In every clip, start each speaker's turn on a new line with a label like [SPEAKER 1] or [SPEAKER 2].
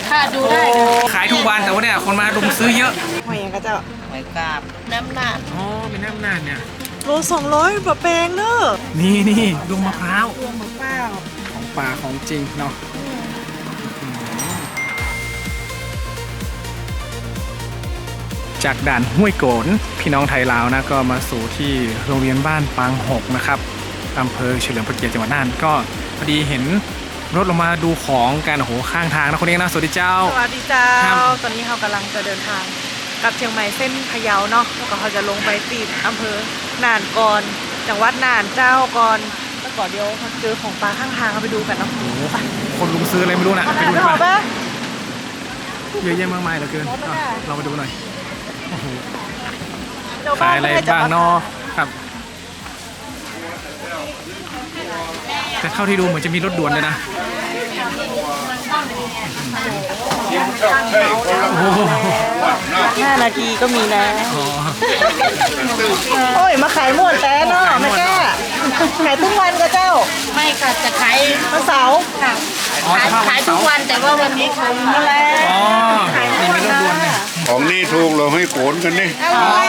[SPEAKER 1] ค่ะดูได้
[SPEAKER 2] ขายทุกวันแต่ว่าเนี่ยคนมารุมซื้อเยอะ
[SPEAKER 3] หอยยังก็จะ
[SPEAKER 1] หอยกาบน้ำหนัก
[SPEAKER 2] อ๋อเป็นน้ำนานเนี่ย
[SPEAKER 3] โล200บะแปลงเนอะ
[SPEAKER 2] นี่ดวงมะพร้าว
[SPEAKER 3] รวมมะพร้าว
[SPEAKER 2] ของป่าของจริงเนาะจากด่านห้วยโกนพี่น้องไทยลาวนะก็มาสู่ที่โรงเรียนบ้านปางหกนะครับอำเภอเฉลิมพระเกียรติจังหวัดน่านก็พอดีเห็นรถลงมาดูของกันโอ้โหข้างทางนะคนนี้นะสวัสดีเจ้า
[SPEAKER 3] สวัสดีเจ้าตอนนี้เรากำลังจะเดินทางกลับเชียงใหม่เส้นพะเยาเนาะแล้วก็เขาจะลงไปติดอำเภอน่านก่อนจังหวัดน่านเจ้าก่อนแล้วก็เดี๋ยวเขาเจอของปลาข้างทางเราไปดูกันเนาะ
[SPEAKER 2] คนลุงซื้ออะไรไม่รู้นะไปดู
[SPEAKER 3] กันปะ
[SPEAKER 2] เยอะแยะมากมายเหลือเกินเรามาดูหน่อยขายอะไรบ้างเนาะครับแต่เท่าที่ดูเหมือนจะมีรถด่วนเลยนะ
[SPEAKER 3] 5 นาทีก็มีนะโอ้ยมาขายม่วนแต่เนาะแม่แก้ขายทุกวันก็เจ้า
[SPEAKER 1] ไม่ค่ะจะขาย
[SPEAKER 3] วันเสาร์
[SPEAKER 1] ค่ะขายทุกวันแต่ว่าวันนี้คงมาแล้ว
[SPEAKER 2] อ๋อนี่มีรถด่วนเนี่ย
[SPEAKER 4] ของนี่ถูกเราให้โขนกันนี่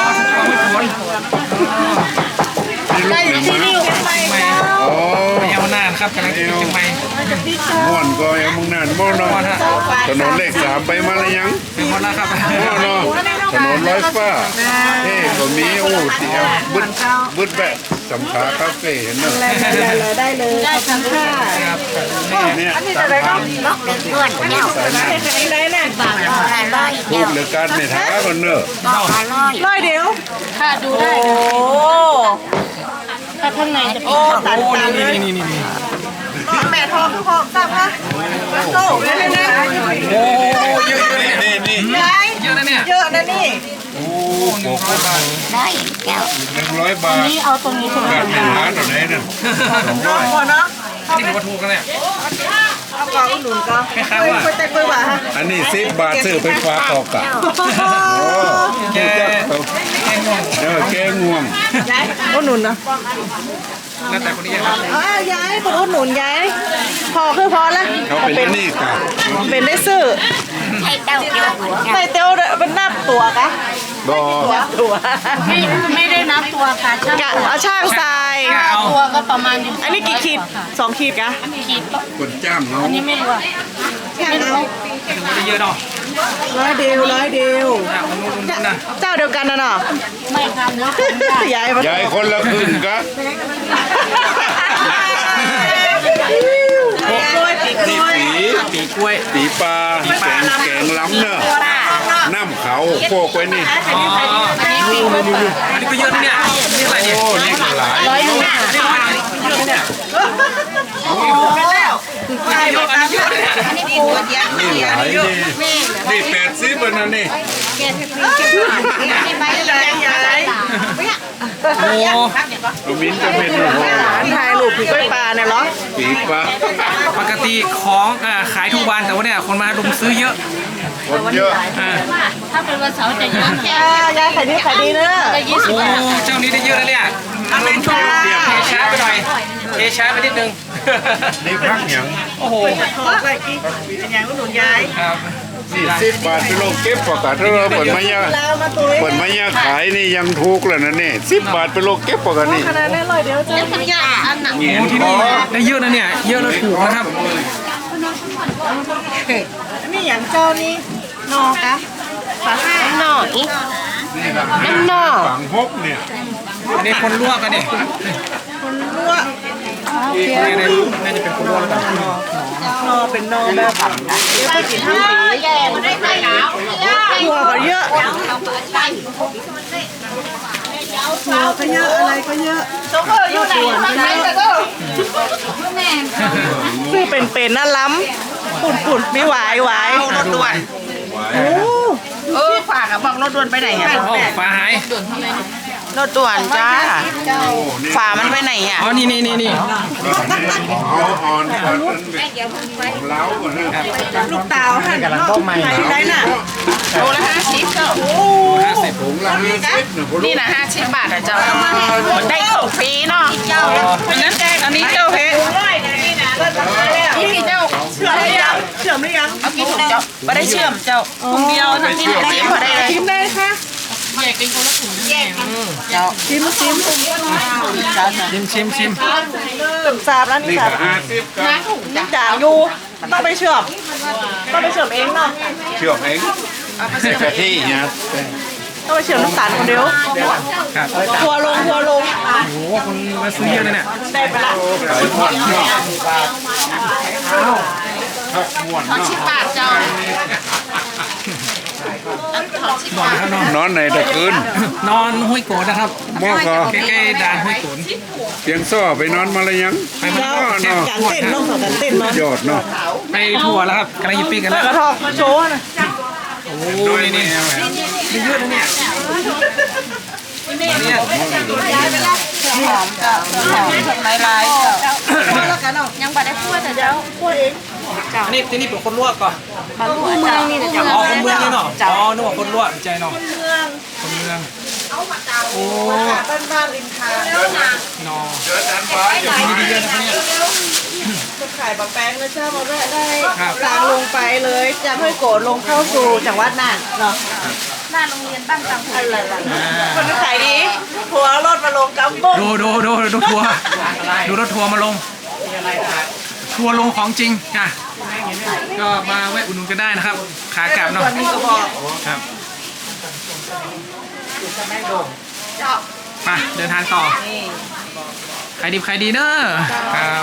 [SPEAKER 1] ได้ที่นี่
[SPEAKER 2] ไม่เอาหน้าครับกำลังจะไปเชียงใหม่
[SPEAKER 4] ม่วนก็ยังมึงนั่นม่วนเนาะถนนเลข3ไปมาแล้วยัง
[SPEAKER 2] เป็นหมดแล้วครับ
[SPEAKER 4] ม่วนเนาะถนนร้อยฟ้าก็มีโอ้เตี๋ยวบึดแบบสำขาคาเฟ่เห็นเนาะ
[SPEAKER 3] ได้เลยขอบคุณค่ะ
[SPEAKER 4] เนี่ย
[SPEAKER 3] อันนี้จะได้เนาะ
[SPEAKER 1] เพื่อนเนี่ย
[SPEAKER 3] ได้น่ะบาท
[SPEAKER 4] ถูกเหลือกันในท้ากันเนอะ
[SPEAKER 3] ร้อยเดียว
[SPEAKER 1] ค่ะดูได้โอ้ถ้าข้างในจะเป็น
[SPEAKER 3] ตัน
[SPEAKER 2] นี่
[SPEAKER 3] แม่ทองทองจับนะโซ่เลยนะ
[SPEAKER 2] โอ้เยอะ
[SPEAKER 4] นี่
[SPEAKER 2] เยอะนะเนี่ย
[SPEAKER 3] เยอะนะนี่
[SPEAKER 4] โอ้100 บาท
[SPEAKER 1] ได้แก้ว
[SPEAKER 4] 100 บาท
[SPEAKER 1] นี่เอาตรงนี้ใช่ไหม
[SPEAKER 4] แบบในร้านอะไรเนี่ย
[SPEAKER 3] พอเนาะ
[SPEAKER 2] นี่ถือว่าถูกกันเนี่ย
[SPEAKER 3] เอากล่องอุดหนุนก็คุยแต่คุยว่า
[SPEAKER 4] อันนี้10 บาทซื้อไปฝากต่อกะ
[SPEAKER 2] แก
[SPEAKER 4] ง่วง
[SPEAKER 3] อุดหนุนนะ
[SPEAKER 2] แล้วแต่คนนี้ครับ
[SPEAKER 3] ย้ายคนอุดหนุนย้ายพอคือพอแล้ว
[SPEAKER 4] เขาเป็นนี่กะ
[SPEAKER 3] เป็นได้ซื้อ
[SPEAKER 1] ใส่เต้าเดียว
[SPEAKER 3] ใส่เต้าเป็นนับตัวกะตัว
[SPEAKER 1] ไม่ได้นับตัวค่ะช่าง
[SPEAKER 3] เอาช่างใส่
[SPEAKER 1] ตัวก็ประมาณ
[SPEAKER 3] อันนี้กี่ขีด2 ขีดกะ
[SPEAKER 1] ขีด
[SPEAKER 4] คนจ้างเนาะ
[SPEAKER 1] อันนี้ไม่รู้อะ
[SPEAKER 2] ไม่รู้ได้เยอะเนาะ
[SPEAKER 3] 100 เดียวเจ้าเดียวกันนะเนาะ
[SPEAKER 1] ไม่ครับเนาะ
[SPEAKER 4] ย้ายคนละครึ่งกะ
[SPEAKER 2] ปีกล้วย
[SPEAKER 4] ปีปลาแกงล้ำเนอะน้ำเขาโคกไว้นี่
[SPEAKER 2] อันนี้ก็เยอะนะเนี่ยนี่อะไรเนี่ย
[SPEAKER 4] โอ้นี่ก็หลาย
[SPEAKER 2] เนี่ย
[SPEAKER 4] นี่หลายนี่80วันนั้นนี่
[SPEAKER 2] โอ้
[SPEAKER 4] ลูมิ้นจะเป็นโอ้โห
[SPEAKER 3] ถ่ายรูปผีกล้วยปลาเนี่ยเหรอ
[SPEAKER 4] ปีปลา
[SPEAKER 2] ปกติของขายทุกวันแต่ว่าเนี่ยคนมารุมซื้อเยอะ
[SPEAKER 4] คนเยอะ
[SPEAKER 1] ถ้าเป็นวันเสาร์จะเยอะแค่
[SPEAKER 3] ยายขายดีเนอะ
[SPEAKER 2] โอ้เจ้านี้ได้เยอะแล้วเนี่ยลงทุนเทช้าไปหน่อยเทช้าไปนิดนึง
[SPEAKER 4] นี่พักอย่าง
[SPEAKER 2] โอ้โห
[SPEAKER 3] เป็นอย่างอุดหนุนยาย
[SPEAKER 4] ครับนี่10 บาทไปโลเก็บปกติเราเปิดมายาขายนี่ยังถูกเลยนะนี่10 บาทไปโลเก็บปกติ
[SPEAKER 3] ขนาดนั้น100 เดียวเจ้า
[SPEAKER 1] อันหนัก
[SPEAKER 2] โอ้ที่นี่ได้เยอะนะเนี่ยเยอะแล้วถูกนะครับ
[SPEAKER 3] นี่อย่างเจ้านี้นอกะฝาห้า
[SPEAKER 1] หน่อย
[SPEAKER 4] น้ำนอฝังฮกเนี่ย
[SPEAKER 2] อันนี้คนลวกกันเนี่ย
[SPEAKER 3] คนลวก
[SPEAKER 2] น่าจะเป็นคนลวกแล้วกัน
[SPEAKER 3] นอเป็นนอแบบเยอะไปกินทั้งปีหัวก็เยอะหัวก็เยอะอะไรก็เยอะ
[SPEAKER 1] อยู่ไหน
[SPEAKER 3] ซื้อเป็นน่าล้ำปุ่นไม่ไหวรถด่วน
[SPEAKER 1] ฝากบอกรถด่วนไปไหนอ่ะ
[SPEAKER 2] ฝาหาย
[SPEAKER 1] รถด่วนจ้าฝามันไปไหนอ่ะ
[SPEAKER 2] อ๋อนี่
[SPEAKER 4] อ่อนเล้าก่อนนะ
[SPEAKER 3] ลูกเต๋าค่ะกำลังต้มใหม่ได้น่ะ
[SPEAKER 1] โลละ50ก็
[SPEAKER 4] ถุงละ50
[SPEAKER 1] นี่นะ50 บาทอ่ะเจ้าได้ของฟรีเนาะ
[SPEAKER 3] อันนี้เจ้าเพชร
[SPEAKER 1] พี่เจ้า
[SPEAKER 3] เชื่อมหรือยังเชื่อมหรือยัง
[SPEAKER 1] เอากี่ถุงเจ้าไม่ได้เชื่อมเจ้าถุงเดียวทั้งนี้ได้พอได้เลย
[SPEAKER 3] ชิมได้ค่ะ
[SPEAKER 1] เจ้า
[SPEAKER 3] ชิม
[SPEAKER 2] ชิม
[SPEAKER 3] ตึมซาบแล้วนี่
[SPEAKER 4] นี่
[SPEAKER 3] ค่ะ
[SPEAKER 4] ก็50ครับ
[SPEAKER 3] นี่ด่างอยู่ต้องไปเชื่อมเองเนาะ
[SPEAKER 4] เชื่อมเองใส่กะทิเนี่ย
[SPEAKER 3] ต้องไปเชื่อมน้ำตาลคนเดียว
[SPEAKER 2] ครับ
[SPEAKER 3] ทัวลง
[SPEAKER 2] โอ้โหคนมาซื้อเยอะเลยเนี่ย
[SPEAKER 3] ได้ไปละ
[SPEAKER 4] ขายม่วนเนาะครับม่วนเนาะ
[SPEAKER 1] บาทเจ้า
[SPEAKER 4] นอนในตะคืน
[SPEAKER 2] นอนห้วยโกนนะครับ
[SPEAKER 4] หม้อก็
[SPEAKER 2] ใกล้ๆด่านห้วยโกน
[SPEAKER 4] เพียงซ้อไปนอนมาแล้วยัง
[SPEAKER 2] ไปมัน
[SPEAKER 4] เนาะ
[SPEAKER 2] แซ่บ
[SPEAKER 4] เนาะ
[SPEAKER 2] ทั่วครับ
[SPEAKER 3] การเต้นเนาะ
[SPEAKER 4] ยอดเนาะ
[SPEAKER 2] ไปทั่วแล้วครับกำลังยิปปี้กันแล้ว
[SPEAKER 3] กระทอกโชว์นะ
[SPEAKER 2] โอ้โหนี่เยอะนะเนี่ยเนี่ย
[SPEAKER 1] หอมเจ้าหอมทำลายเจ้ายังบ่ได้พูดแต่เจ้า
[SPEAKER 3] พวกเอง
[SPEAKER 2] อันนี้ที่นี่เป็นคนลวกก่อน
[SPEAKER 1] มาลูกเมืองนี่เจ้า
[SPEAKER 2] อ๋อคนเมืองนี่เนาะอ๋อนึกว่าคนลวกใจเนาะ
[SPEAKER 3] เมือง
[SPEAKER 2] คนเมืองโอ้
[SPEAKER 3] บ้านริมทาง
[SPEAKER 2] นอ
[SPEAKER 4] เจอจานฟ้าอยู่
[SPEAKER 2] ดีเยอะนะครับเนี่ย
[SPEAKER 3] จะขายบะแป้งนะเจ้ามาแวะได้
[SPEAKER 2] ครับ
[SPEAKER 3] ทางลงไปเลยจากห้วยโกดลงเข้าสู่จังหวัดน่านเนาะ
[SPEAKER 1] หน้าโรงเรียนบ้านตังหู
[SPEAKER 3] อะไรล่ะคนขายดีหัวรถมาลงกำบง
[SPEAKER 2] ดูทัวร์ดูรถทัวร์มาลง ทัวร์ลงของจริงอ่ะก็มาแวะอุดหนุนกันได้นะครับ ขากลับเนาะ
[SPEAKER 3] วันนี้ก็พอ
[SPEAKER 2] ครับไปเดินทางต่อใครดีใครดีเนอะครับ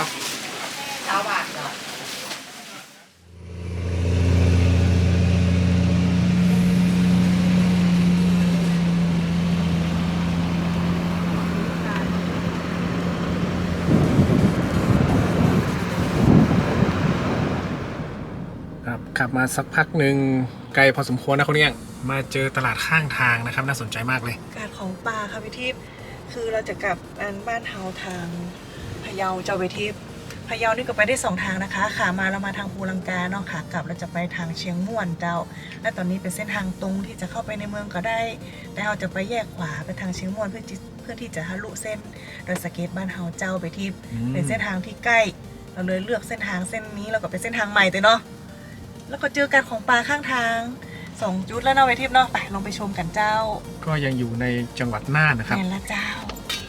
[SPEAKER 2] ครับขับมาสักพักหนึ่งไกลพอสมควรนะคนเนี้ยมาเจอตลาดข้างทางนะครับน่าสนใจมากเลย
[SPEAKER 3] การของปลาค่ะพี่ทิพย์คือเราจะกลับบ้านเฮาทางพะเยาเจ้าพี่ทิพย์พะเยานี่ก็ไปได้2ทางนะคะขามาเรามาทางภูลังกาเนาะขากลับเราจะไปทางเชียงม่วนเจ้า และตอนนี้เป็นเส้นทางตรงที่จะเข้าไปในเมืองก็ได้ แต่เราจะไปแยกขวาไปทางเชียงม่วนเพื่อที่จะทะลุเส้นโดยสเก็ตบ้านเฮาเจ้าไปทิพย์เป็นเส้นทางที่ใกล้ เราเลยเลือกเส้นทางเส้นนี้แล้วก็เป็นเส้นทางใหม่แต่เนาะแล้วก็เจอกันของปลาข้างทาง2จุดแล้วเนาะไปทิพย์เนาะไปลองไปชมกันเจ้า
[SPEAKER 2] ก็ยังอยู่ในจังหวัดน่านนะครับ
[SPEAKER 3] แม่นละเจ้า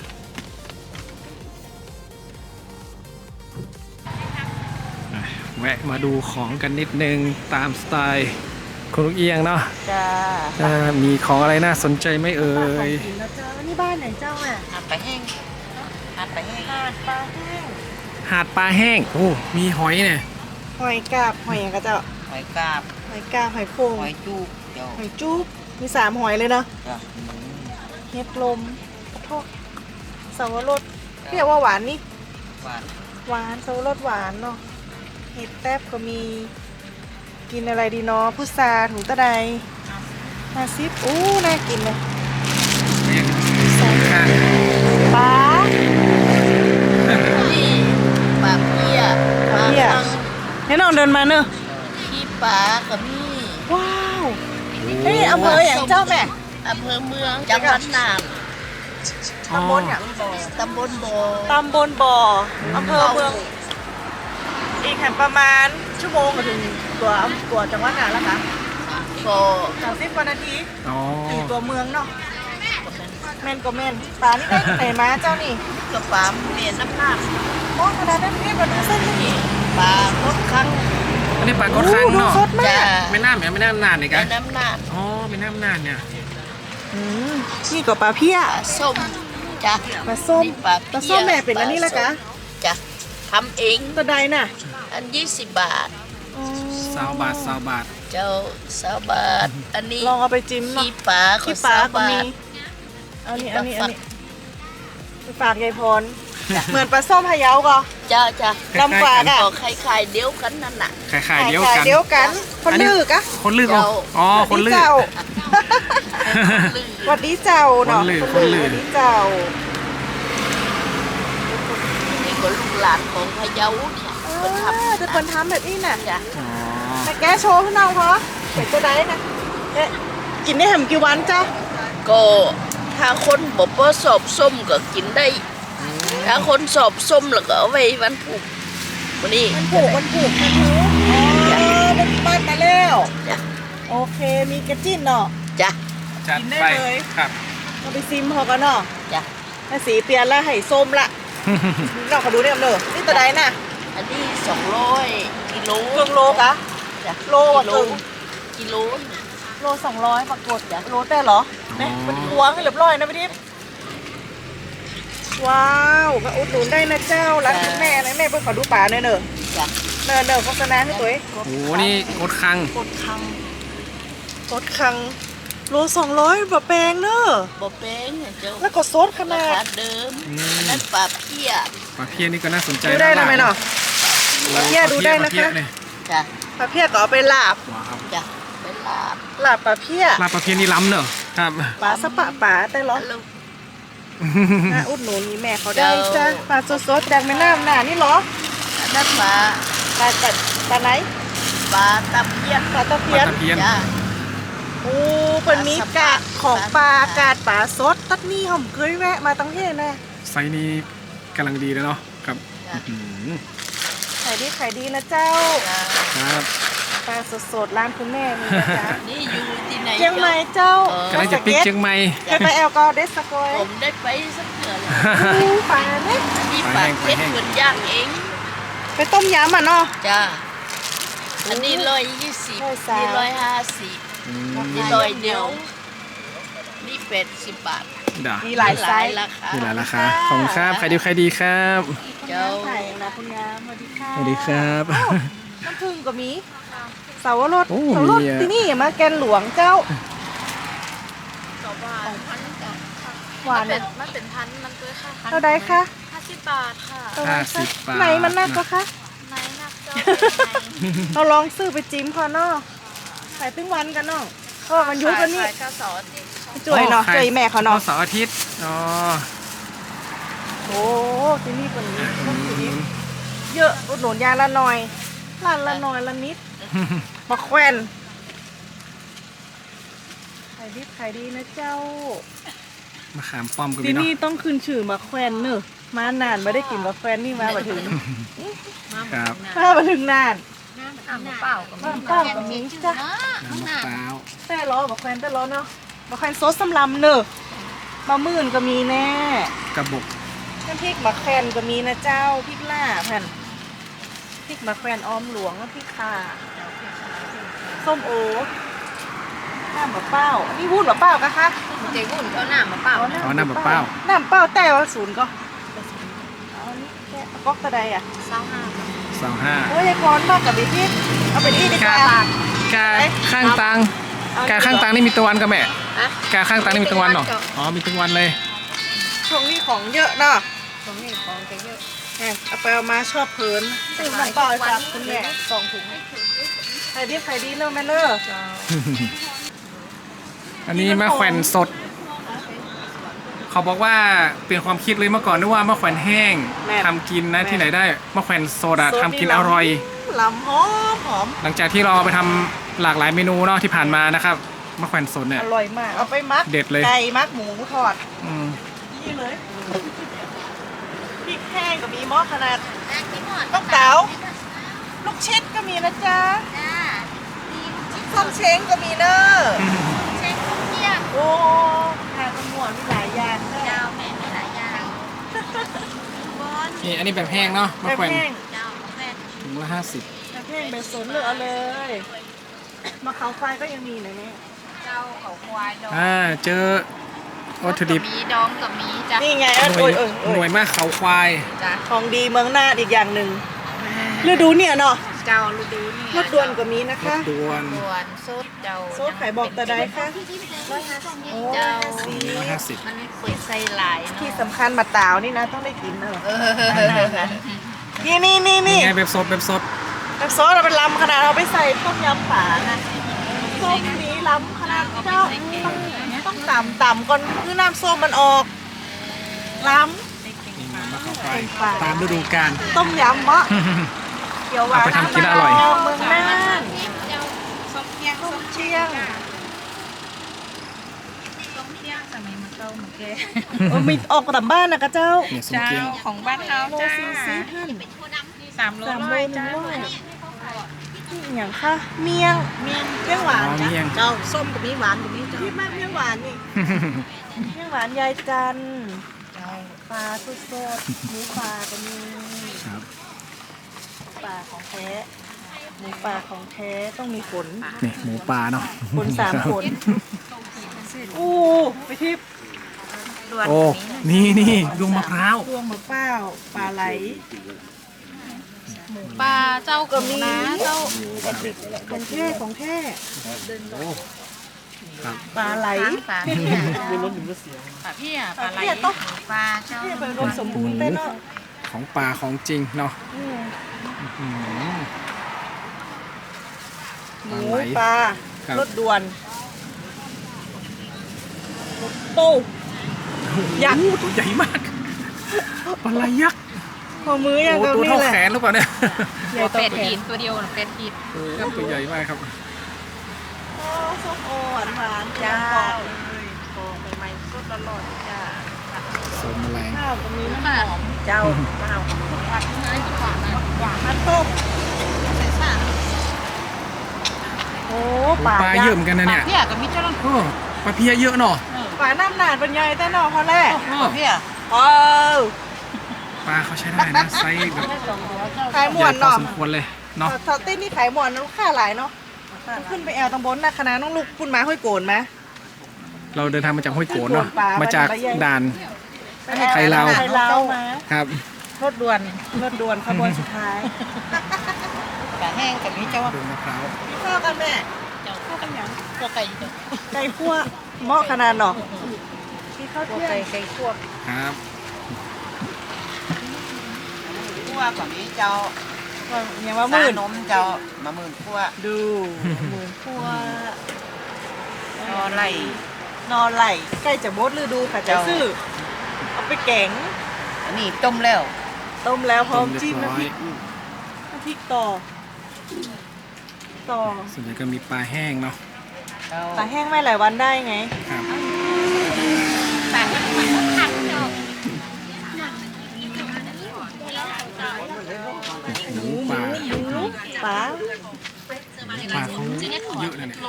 [SPEAKER 2] แวะมาดูของกันนิดนึงตามสไตล์คุณลูกเอียงเนาะ
[SPEAKER 3] จ้า
[SPEAKER 2] มีของอะไรน่าสนใจไหมเอ่ย
[SPEAKER 3] กินแล้วเจ้านี่บ้านไหนเจ้าอ่ะ
[SPEAKER 1] หัดไปแห้งหัดไปแห้ง
[SPEAKER 3] หาดปลาแห้ง
[SPEAKER 2] หาดปลาแห้งโอ้มีหอยเนี่ย
[SPEAKER 3] หอยกาบหอยอย่างกะเจ้า
[SPEAKER 1] หอยกาบ
[SPEAKER 3] หอยกาบหอยโขง
[SPEAKER 1] หอยจูบเจ้า
[SPEAKER 3] หอยจุ๊บมี3หอยเลยเนาะ
[SPEAKER 1] จ้ะ
[SPEAKER 3] เห็ดลมกระทอกสาวรสเรียกว่าหวานนี่
[SPEAKER 1] หวาน
[SPEAKER 3] หวานสาวรสหวานเนาะเห็ดแทบก็มีกินอะไรดีเนาะพุทราถุงตะได50อู้น่ากินเลยปลา
[SPEAKER 1] นี่ปลาเพี้ย
[SPEAKER 3] ปลาเพี้ย ให้น้องเดินมาเนอะ
[SPEAKER 1] ขี้ปลากับนี่
[SPEAKER 3] ว้าวเฮ้ยอำเภออย่างเจ้าแม่
[SPEAKER 1] อำเภอเมืองจังหวัดน่าน
[SPEAKER 3] ตำบลอย่าง
[SPEAKER 1] ตำบลโบ
[SPEAKER 3] ตำบลบ่ออำเภอเมือง อีกแห่งประมาณชั่วโมงก็ถึงตัวจังหวัดน่านแล้วค่ะ
[SPEAKER 1] โบ
[SPEAKER 3] 30กว่านาที
[SPEAKER 2] อ๋อ
[SPEAKER 3] ถึงตัวเมืองเนาะแม่นก็แม่นปลานี่ได้ที่ไหนมาเจ้านี่
[SPEAKER 1] กระป๋ามเมียนน้ำหนัก
[SPEAKER 3] โอ้ขนาดนั้นพี่มาดูเส้นนี่
[SPEAKER 1] ปลาลดครั้ง
[SPEAKER 2] อันนี้ปลากดคัง
[SPEAKER 3] ดู
[SPEAKER 2] เนาะ
[SPEAKER 3] สดมา
[SPEAKER 1] จ้ะ
[SPEAKER 3] ก
[SPEAKER 2] ไม่น่าเหมือนไม่น่านานเลย
[SPEAKER 1] ใน
[SPEAKER 2] กัน
[SPEAKER 1] น้ำหนัก
[SPEAKER 2] อ๋อไม่น่านานเนี่ย
[SPEAKER 3] อืมนี่ก็ปลาเพี้ย
[SPEAKER 1] ปลาส้มจ้ะ
[SPEAKER 3] ปลาส้ม
[SPEAKER 1] นี่ปลา
[SPEAKER 3] ปลาส้มแม่เป็นอันนี้ละกะ
[SPEAKER 1] จ้ะทำเอง
[SPEAKER 3] ตัวใดน่ะ
[SPEAKER 1] อัน20 บาท
[SPEAKER 3] อ๋อ
[SPEAKER 2] 20 บาท
[SPEAKER 1] เจ้า20 บาท อันนี้
[SPEAKER 3] ลองเอาไปจิ้มเนาะ
[SPEAKER 1] ขี้ปลา
[SPEAKER 3] ขี้ปลาก็
[SPEAKER 1] 20
[SPEAKER 3] มี
[SPEAKER 1] บาท
[SPEAKER 3] อันนี้ไปฝากยายพรเหมือนปลาส้มพะเยาก็
[SPEAKER 1] จ้าจ้ะ
[SPEAKER 3] ลำฝากอ่ะ
[SPEAKER 1] ออกไข่ๆเดียวกันนั่นน่ะ
[SPEAKER 2] ขายเดียวกัน
[SPEAKER 3] เดียวกัน คนลือกะ
[SPEAKER 2] คนลือกอ๋ออ๋อคนลือก
[SPEAKER 3] เจ้าหวัดดีเจ้าเนาะ
[SPEAKER 2] คนลือ
[SPEAKER 3] หวัดดีเจ้า
[SPEAKER 1] นี่ก็ลูกหลานของพะเยาเนี่ยคนทำ
[SPEAKER 3] จะคนทำแบบนี้น่ะ
[SPEAKER 1] จ้ะ
[SPEAKER 2] อ๋อ
[SPEAKER 3] แต่แกโชว์พี่น้องเพราะเป็นตัวใดนะเอ๊ะกินได้แหมกี่วันเจ้า
[SPEAKER 1] ก็ถ้าคนบ่สอบส้มก็กินได้ ถ้าคนสอบส้มแล้วก็เอาไว้วันผูกวันนี้
[SPEAKER 3] มันผูกมันผูกมันผูกมันบ้านมาแล้วโอเคมีกระจิ้นเนาะ
[SPEAKER 1] จ้ะ
[SPEAKER 2] จัด
[SPEAKER 3] กินได้
[SPEAKER 2] ไป
[SPEAKER 3] เลย
[SPEAKER 2] ครับ
[SPEAKER 3] เราไปซิมพอกันเนาะ
[SPEAKER 1] จ้ะ
[SPEAKER 3] ถ้าสีเปลี่ยนแล้วให้ส้มละเราขอดูเนี่ยเนอะนี่ตัวใดน่ะ
[SPEAKER 1] อันนี้200กิโล
[SPEAKER 3] เกืองโลกะ
[SPEAKER 1] จ้ะ
[SPEAKER 3] โลอ่ะเกือง
[SPEAKER 1] กิโล
[SPEAKER 3] โล200ปรากฏโลแต่เหรอเนี่ยมันพวงให้เรียบร้อยนะพี่ทิพย์ว้าวก็อุดหนุนได้นะเจ้าร้านคุณแม่นะแม่เพิ่งขอดูป่าเนอะเนอะ
[SPEAKER 1] จ้ะ
[SPEAKER 3] เนอะโฆษณาให้ตัวเอง
[SPEAKER 2] โอ้โหนี่กดคัง
[SPEAKER 3] กดคังกดคังโล200แบบแปลงเนอะ
[SPEAKER 1] บ่แพงเจ้า
[SPEAKER 3] แล้วก็ซดข
[SPEAKER 1] รา
[SPEAKER 3] นาด
[SPEAKER 1] คาเดิมอันนั้นปลาเพี้ย
[SPEAKER 2] ปลาเพี้ยนี่ก็น่าสนใจ
[SPEAKER 3] ดูได้นะไหมเนาะ ปลาเพี้ยดูได้นะคะ
[SPEAKER 2] ปลาเพี้ยเนี่ย
[SPEAKER 1] จ้ะ
[SPEAKER 3] ปลาเพี้ยก็เอาไปลาบ
[SPEAKER 2] ว้าว
[SPEAKER 1] จ้ะเป็นลาบ
[SPEAKER 3] ลาบปลาเพี้ย
[SPEAKER 2] ปลาเพี้ยนี่ล้ำเนอะครับ
[SPEAKER 3] ปลาสะปะป่าแต่เหรอ
[SPEAKER 1] แล้ว
[SPEAKER 3] น่าอุดหนุนนี่แม่เขาได้จ้ะปลาสดๆจากแม่น้ำน่ะนี่เหรอ
[SPEAKER 1] อันนั้นปลา
[SPEAKER 3] ปลาไหน
[SPEAKER 1] ปลาตะเพียน
[SPEAKER 3] ปลาตะ
[SPEAKER 2] ป
[SPEAKER 3] เพีย
[SPEAKER 2] ลาน ตะเพียน
[SPEAKER 1] จ้ะ
[SPEAKER 3] โอ้เป็นมีกาดของปลากาดปลาสดตัดนี่ผมเคยแวะมาตั้งเทศนะ
[SPEAKER 2] ไซส์นี้กำลังดีเลยเนาะครับ
[SPEAKER 1] จ้ะ
[SPEAKER 2] อื้อหือ
[SPEAKER 3] ขายดีนะเจ้า
[SPEAKER 1] จ้ะ
[SPEAKER 2] ครับ
[SPEAKER 3] ปลาสดๆร้านคุณแม่มีนะจ๊ะ
[SPEAKER 1] นี่อยู่ที่ไหน
[SPEAKER 3] เชียงใหม่เจ้าก
[SPEAKER 2] ำลังจะปิกเชียงใหม่
[SPEAKER 3] เคยไปแอลกอเดสสกอย
[SPEAKER 1] ผมได้ไปสักเดือนแล้ว
[SPEAKER 3] อู้ปลาเนี่ย
[SPEAKER 1] อันนี้ปลาเพชรเหมือนย่างเอง
[SPEAKER 3] ไปต้มยำอ่ะเนาะ
[SPEAKER 1] จ้ะอันนี้120
[SPEAKER 3] 130
[SPEAKER 1] นี่150นี่100เดียวนี่80 บาท
[SPEAKER 2] ด่า
[SPEAKER 3] มีหลายไซส์
[SPEAKER 1] ราคา
[SPEAKER 2] นี่แหละราคาขอบคุณครับใครดีใครดีครับ
[SPEAKER 1] เจ้า
[SPEAKER 3] ไข่นะคุณงามสวัสดีค่ะ
[SPEAKER 2] สวัสดีครับ
[SPEAKER 3] น้ำผึ้งก็มีเสาวรส
[SPEAKER 2] โอ้
[SPEAKER 3] เสาวรส
[SPEAKER 2] มีอะ
[SPEAKER 3] ที่นี่มาแกนหลวงเจ้า หวาน
[SPEAKER 5] มันเป็นพันมันตัวค่ะ
[SPEAKER 3] เท่าใดคะ
[SPEAKER 5] 50 บาทค่ะ
[SPEAKER 3] เท่าใดคะ
[SPEAKER 2] 50 บาท
[SPEAKER 3] ไหนมันนักก็คะ
[SPEAKER 5] ไหนนักเจ้า
[SPEAKER 3] เราลองซื้อไปจิ้มพอเนาะขายตึ้งวันกันเนาะเพราะว่ามันยุบกันนี่
[SPEAKER 5] ขายข้าวสารนี่
[SPEAKER 3] จ่วยเนาะ
[SPEAKER 2] ใคร
[SPEAKER 3] จ่วยแม่เขาเนาะ
[SPEAKER 2] เสาร์อาทิตย์อ๋อ
[SPEAKER 3] โอ้ที่นี่คนนี้ที่นี่เยอะอุดหนุนยาละหน่อยร้านละหน่อยละนิดมาแควนขายดีนะเจ้า
[SPEAKER 2] มะขามป้อมก็มี
[SPEAKER 3] ที่
[SPEAKER 2] เนาะ
[SPEAKER 3] นี่ต้องขึ้นชื่อมาแควนเนอะมานานไม่ได้กินมาแควนนี่มาบ่ถึง
[SPEAKER 2] ครับ
[SPEAKER 3] มาถึงนาน
[SPEAKER 5] น้ำเปล่าก็
[SPEAKER 3] บ้านเป้ากับมีจ้ะ
[SPEAKER 2] น้ำมะพร้าว
[SPEAKER 3] แต่ล้อมาแควนแต่ล้อเนาะมาแควนซดสำลำเนอะมามื่นก็มีแน่
[SPEAKER 2] กระบอก
[SPEAKER 3] น้ำพริกมะแควนก็มีนะเจ้าพริกล่าแผ่นพริกมะแควนออมหลวงน้ำพริกข่าส้มโอน้ำมะเป้าอันนี่วุ้นมะเป้ากะคะ
[SPEAKER 5] เจ๊วุ่นเขาหน้ามาเปล่า
[SPEAKER 2] อ๋อน้ำมะพร้าว
[SPEAKER 3] น้ำเป้าแต่ว่าศูนย์ก็เอาอันนี้แกะเอาก๊อกตะไดอ่ะ
[SPEAKER 2] 25
[SPEAKER 3] โอ้ยยายคอนมากกับบิ๊กเอาเป็นอีดีกว่า
[SPEAKER 2] กาข้างตังกาข้างตังนี่มีตัววันกับแม่กาข้างตังนี่มีตัววันเหรออ๋อมีตัววันเลย
[SPEAKER 3] ช่วงนี้ของเยอะเนาะ
[SPEAKER 5] ตรงนี้ของจะเยอะ
[SPEAKER 3] แหมเอาไปเอามาชอบเพลินซื้อน้ำเปล่าให้ฝากคุณแม่
[SPEAKER 5] 2 ถุง
[SPEAKER 3] ใครดีเนอะแม่เนอะ
[SPEAKER 2] อันนี้มะแขวนสด เขาบอกว่าเปลี่ยนความคิดเลยเมื่อก่อนนึกว่ามะแขวนแห้งทำกินนะที่ไหนได้มะแขวนสดอะทำกินอร่อย
[SPEAKER 3] ลำหอมหอม
[SPEAKER 2] หลังจากที่เราเอาไปทำหลากหลายเมนูเนาะที่ผ่านมานะครับมะแขวนสดเนี่ย
[SPEAKER 3] อร่อยมากเอาไปมัก
[SPEAKER 2] เด็ดเลย
[SPEAKER 3] ไก่มักหมูทอด
[SPEAKER 2] อืม
[SPEAKER 3] นี่เลยพริกแห้งก็มีหม้อขนาดต้องเต๋าลูกชิดก็มีนะจ๊ะส้มเช้งก็มีเนอะ
[SPEAKER 5] เช็คทุกเที่ยง
[SPEAKER 3] โอ้ทานขมวดมีหลายอย่างเนอะ
[SPEAKER 5] เจ้าแม่มีหลายอย่างบอล
[SPEAKER 2] นี่อันนี้แบบแห้งเนาะมะ
[SPEAKER 3] แบบ
[SPEAKER 2] แขวน
[SPEAKER 3] แห้ง
[SPEAKER 5] เจ้าแม่
[SPEAKER 2] ถุงละ50
[SPEAKER 3] แบบแห้งแบบสนเหลือเลยมะเขาควายก็ยังมีนะเนี่ย
[SPEAKER 5] เจ้าเขาควายดอง
[SPEAKER 2] เจอวัตถุดิบ
[SPEAKER 5] มีดองกับมีจ้ะ
[SPEAKER 3] นี่ไง
[SPEAKER 2] หน่
[SPEAKER 3] โอ้
[SPEAKER 2] วย
[SPEAKER 3] ยโอ้ย
[SPEAKER 2] ห
[SPEAKER 3] โอ้
[SPEAKER 2] น่วย ยมากเขาควาย
[SPEAKER 5] จ้ะ
[SPEAKER 3] ของดีเมืองน่านอีกอย่างหนึ่งฤดูเนี่ยเนาะ
[SPEAKER 5] เจ้าฤดูนี่
[SPEAKER 3] รถด่วนก็มีนะ
[SPEAKER 2] ร
[SPEAKER 3] คะ
[SPEAKER 2] ถด่วน
[SPEAKER 5] ด่วนซุดเจ้า
[SPEAKER 3] โซดไข่บอกตะไดคะโอ้
[SPEAKER 5] เจ้า
[SPEAKER 3] สี
[SPEAKER 2] 150
[SPEAKER 5] มันเปิดใส่หลาย
[SPEAKER 3] ที่
[SPEAKER 5] เนาะ
[SPEAKER 3] สำคัญมาตาวนี่นะต้องได้กินเนอะ นี่
[SPEAKER 2] นี่
[SPEAKER 3] นี่
[SPEAKER 2] ไงแบบสดแบบสด
[SPEAKER 3] น้ำซอสเราเป็นลำขนาดเราไปใส่ต้มยำป่านะส้มนี้ล้ำขนาดเจ้าต้องต่ำก่อนคือน้ำส้มมันออกล้
[SPEAKER 2] นี่ไงมะเขาควายตามฤดูกาล
[SPEAKER 3] ำต้มยำมะเขียวหวาน
[SPEAKER 2] เอาไปทำกินแล้วอร่อย
[SPEAKER 3] เมืองน่าน
[SPEAKER 5] เจ้าส้มเที่ยง
[SPEAKER 3] ส้มเชียง
[SPEAKER 5] ส้มเที่ยงสมัยมันเก่าเหมือนแก
[SPEAKER 3] มีออกตามบ้านนะกะเจ้า
[SPEAKER 2] เนี่ยสมเกียง
[SPEAKER 5] ของบ้านเฮา
[SPEAKER 3] โล
[SPEAKER 5] จ้า
[SPEAKER 3] ซีซีหั่น
[SPEAKER 1] 3 โล
[SPEAKER 3] 3 โล
[SPEAKER 1] ร้อย
[SPEAKER 3] 1
[SPEAKER 1] จ้า
[SPEAKER 3] ร้อยนี่อย่างค่ะเมียงเมี่ยงหวาน
[SPEAKER 2] อ๋อ
[SPEAKER 3] จ้ะ
[SPEAKER 2] เมี่ยง
[SPEAKER 1] เจ้าส้มกับมีหวานกับมีเจ้า
[SPEAKER 3] พี่มากเมี่ยงหวานนี่เมี่ยงหวานยายจันทร์ปลาสดๆหมูปลาก็มี
[SPEAKER 2] ครับ
[SPEAKER 3] ปลาของแท้หมูปลาของแท้ต้องมีขน
[SPEAKER 2] นี่หมูปลาเนาะ
[SPEAKER 3] ขน3 ขนอู้ไปทิพย์
[SPEAKER 2] โอ้นี่ดวงมะพร้าว
[SPEAKER 3] ดวงมะเป้าปลาไหล
[SPEAKER 1] ปลาเจ้าก็มีนะเจ้า
[SPEAKER 3] ของแท้ของแท้
[SPEAKER 2] ครับ
[SPEAKER 3] ปลาไหล
[SPEAKER 1] ปลาพี่อ่ะปลาพี่อ่ะปลาไหล
[SPEAKER 3] เนี่ยต้อง
[SPEAKER 1] ปลาเจ้า
[SPEAKER 3] เนี่ยเป็นรวมสมบูรณ์เต้นเนาะ
[SPEAKER 2] ของปลาของจริงเนาะ
[SPEAKER 3] อืม
[SPEAKER 2] อืม
[SPEAKER 3] หมู
[SPEAKER 2] ปลาไหล
[SPEAKER 3] ปลา
[SPEAKER 2] ครับ
[SPEAKER 3] รถด่วนโต้ ยักษ์
[SPEAKER 2] โอ้ตัวใหญ่มากปลาไหลยักษ์
[SPEAKER 3] พอมืออย่าง
[SPEAKER 2] โอ้
[SPEAKER 3] กับ
[SPEAKER 2] ตัว
[SPEAKER 3] นี่
[SPEAKER 2] เท่า
[SPEAKER 3] แหละ
[SPEAKER 2] แขนหรือเปล่าเนี่ย
[SPEAKER 3] ใหญ่
[SPEAKER 1] ตัว
[SPEAKER 3] ต่อ
[SPEAKER 1] เป็ด
[SPEAKER 3] แข
[SPEAKER 1] หิ
[SPEAKER 3] น
[SPEAKER 1] นตัวเดียวเป็ดหิน
[SPEAKER 2] โอ้ตัวใหญ่มากครับ
[SPEAKER 3] โอ้ส้มโอหวานหวานๆ
[SPEAKER 1] เจ้า
[SPEAKER 3] กรอบ
[SPEAKER 1] โอ้ใหม่ๆสดร้อนๆจ้า
[SPEAKER 2] สมแมลง
[SPEAKER 3] ข้าวก็มีน้ำ
[SPEAKER 1] ปลา
[SPEAKER 3] หอม
[SPEAKER 1] เจ้าปลาหวานไงหวานนะ
[SPEAKER 3] หวานน้ำต้มโอ้ปลา
[SPEAKER 2] ปลาเยอะเหมือนกันนะเนี่ย
[SPEAKER 1] พี่อ่ะก็มีเจ้า
[SPEAKER 2] โอ้ปลาเพียเยอะเนาะ
[SPEAKER 3] ปลาน้ำหนาดเป็นไงแต่นอพอแรก
[SPEAKER 2] โอ้
[SPEAKER 1] พี่อ่ะ
[SPEAKER 3] โอ้
[SPEAKER 2] ปลาเขาใช้ได้นะไซส์แบบ
[SPEAKER 3] ขายหม
[SPEAKER 2] ให
[SPEAKER 3] ว
[SPEAKER 2] ญ่
[SPEAKER 3] น
[SPEAKER 2] พอ
[SPEAKER 3] เนาะ
[SPEAKER 2] สมควรเลยเนาะ
[SPEAKER 3] สติ้นนี่ขายหมวนนะลูกค้าหลายเนาะต้องขึ้นไปแอลตำบลนะคณะน้องลูกพุ่นมาห้อยโกนไหม
[SPEAKER 2] เราเดินทางมาจากห้วยโกนเนาะ
[SPEAKER 3] ปลา
[SPEAKER 2] มาจาก
[SPEAKER 3] ปลาใหญ่
[SPEAKER 2] ด่าน
[SPEAKER 3] ไปแอล
[SPEAKER 2] ไทยลาว
[SPEAKER 3] ไทยลาวมา
[SPEAKER 2] ครับ
[SPEAKER 1] รถด่วน
[SPEAKER 3] รถด่วนขบวนสุดท้าย
[SPEAKER 1] ปลาแห้งกับมีเจ้า
[SPEAKER 2] ดวงมะพร้าว
[SPEAKER 3] ข้าวกันแม่
[SPEAKER 1] เจ้าข้าวกันยังตัวไก่เจ้า
[SPEAKER 3] ไก่คั่วเหมาะขนาดเนาะที่ข้าว
[SPEAKER 1] ตัว
[SPEAKER 3] เที่ยง
[SPEAKER 1] ไก่คั่ว
[SPEAKER 2] ครับ
[SPEAKER 1] คั่วกับมีเจ้า
[SPEAKER 3] อย่างว่าหมื่น
[SPEAKER 1] นมเจ้ามาหมื่นคั่ว
[SPEAKER 3] ดูหมื่นคั่วน
[SPEAKER 1] อไหล
[SPEAKER 3] นอนไหลใกล้จะหมดฤดูค่ะจะ
[SPEAKER 1] เจ้า
[SPEAKER 3] ซื้อเอาไปแกง
[SPEAKER 1] อันนี้ต้มแล้ว
[SPEAKER 3] ต้มแล้วพร้อม
[SPEAKER 2] ต้
[SPEAKER 3] จิ้ม
[SPEAKER 2] เรียบ
[SPEAKER 3] น้ำพ
[SPEAKER 2] ร้อ
[SPEAKER 3] ริ
[SPEAKER 2] ย
[SPEAKER 3] กน้ำพริกต่อ ต่อ
[SPEAKER 2] ส่วนใหญ่ก็มีปลาแห้งเนาะ
[SPEAKER 3] ปลาแห้งไม่หลายวันได้ไง
[SPEAKER 2] ครับ
[SPEAKER 1] แต่มันขัดเจ้า
[SPEAKER 2] หมูปลา
[SPEAKER 3] ปลา
[SPEAKER 2] ปลาเขาเยอะเลยเนี่ย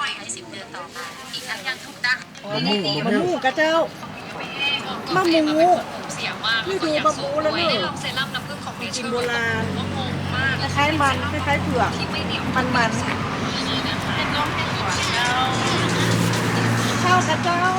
[SPEAKER 3] มะม่วงกระเจ้ามะม่วงนี่ดูมะม่วงแล้วเนี่ยกินโบราณคล้ายๆมันคล้ายๆเผือกมันข้าวกระเจ้า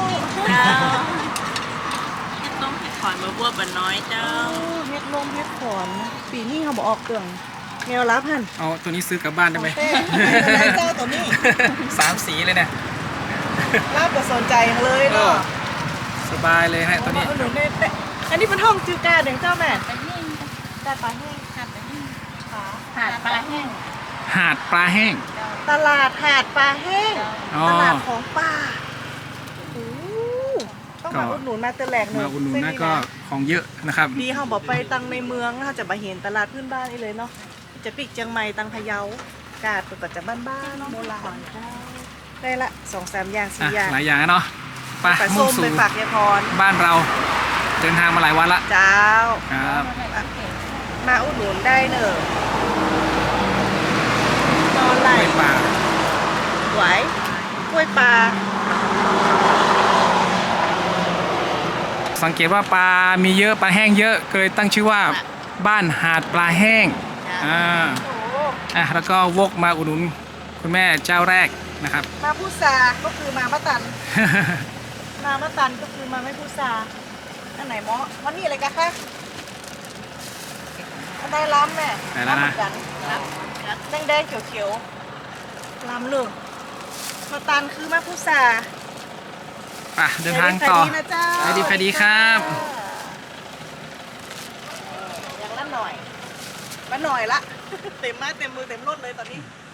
[SPEAKER 1] ต้มเห็ดขอนมะบัวบะน้อยเจ้า
[SPEAKER 3] เฮ็ดลมเฮ็ดขอนปีนี้เขาบอกออกเกลืองแนวรับหัน
[SPEAKER 2] เอาตัวนี้ซื้อกลับบ้านได้ไหม
[SPEAKER 3] เต้เจ้าตัวนี้
[SPEAKER 2] สามสีเลยเนี่ย
[SPEAKER 3] รับก็สนใจอย่างเลยเนาะ
[SPEAKER 2] สบายเลยฮะตัวนี้
[SPEAKER 3] หนูเนี่ยอันนี้เป็นห้องจืดกาเดี๋ยวเจ้าแม่กาปลาแห้ง
[SPEAKER 1] หาดปลาแห้ง
[SPEAKER 2] หาดปลาแห้ง
[SPEAKER 3] ตลาดหาดปลาแห้ง
[SPEAKER 2] อ๋อ
[SPEAKER 3] ตลาดของป่าโอ้ต้องมาอุดหนุนมาเตอแหลกหนึ่ง
[SPEAKER 2] มาอุดหนุนนะก็ของเยอะนะครับ
[SPEAKER 3] ดีเขาบอกไปตังในเมืองเขาจะมาเห็นตลาดพื้นบ้านนี่เลยเนาะจะปิกเชียงใหม่ตังพะเยากาดก็จะบ้านๆโบราณได้ละ2-3 อย่าง
[SPEAKER 2] อ่ะ
[SPEAKER 3] 4 อย่าง
[SPEAKER 2] หลายอย่างนะเนาะไป
[SPEAKER 3] ปลา
[SPEAKER 2] มุ่
[SPEAKER 3] ส้
[SPEAKER 2] ง
[SPEAKER 3] ม
[SPEAKER 2] สู่
[SPEAKER 3] ไปฝากยายพร
[SPEAKER 2] บ้านเรา เดินทางมาหลายวันละ
[SPEAKER 3] เจ้า
[SPEAKER 2] ครับ
[SPEAKER 3] มาอุดหนุนได้เนอะนอนไหล
[SPEAKER 2] กล้วยปลา
[SPEAKER 3] ไหวกล้วยปลา
[SPEAKER 2] สังเกตว่าปลามีเยอะปลาแห้งเยอะเคยตั้งชื่อว่าบ้านหาดปลาแห้งแล้วก็วกมาอุดหนุนคุณแม่เจ้าแรกนะครับ
[SPEAKER 3] มาพุซาก็คือมามะตัน มามะตันก็คือมาไม่พุซาอันไหนหมอวันนี้อะไรกันคะอันใดล้ำแม่
[SPEAKER 2] ไหนแล้วนะ
[SPEAKER 3] ำเหมือกันแดงๆเขียวๆล้ำเลยมาตันคือมาพุซา
[SPEAKER 2] ไปเดินทางต่อ
[SPEAKER 3] ขายดีนะเจ้า
[SPEAKER 2] ขายดีขายดีครับ
[SPEAKER 3] อย่างละหน่อยมาหน่อยละ เต็มมาเต็มมือเต็มรถเลยตอนนี้